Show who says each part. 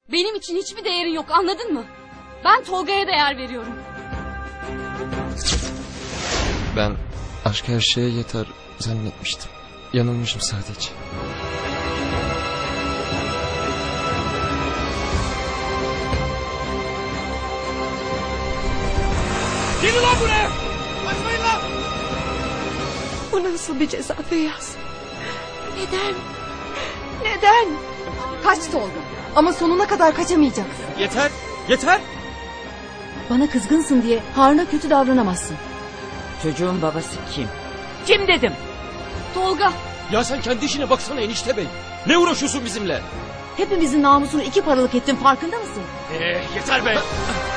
Speaker 1: Benim için hiçbir değerin yok, anladın mı? Ben Tolga'ya değer veriyorum.
Speaker 2: Ben aşk her şeye yeter zannetmiştim. Yanılmışım sadece.
Speaker 3: Gelin lan buraya! Kaçmayın lan!
Speaker 4: Bu nasıl bir ceza Feyyaz? Neden? Neden?
Speaker 1: Kaç Tolga.
Speaker 4: Ama sonuna kadar kaçamayacaksın.
Speaker 3: Yeter! Yeter!
Speaker 4: Bana kızgınsın diye Harun'a kötü davranamazsın.
Speaker 5: Çocuğun babası kim? Kim dedim?
Speaker 1: Tolga.
Speaker 3: Ya sen kendi işine baksana enişte bey. Ne uğraşıyorsun bizimle?
Speaker 4: Hepimizin namusunu iki paralık ettin, farkında mısın?
Speaker 3: Yeter be!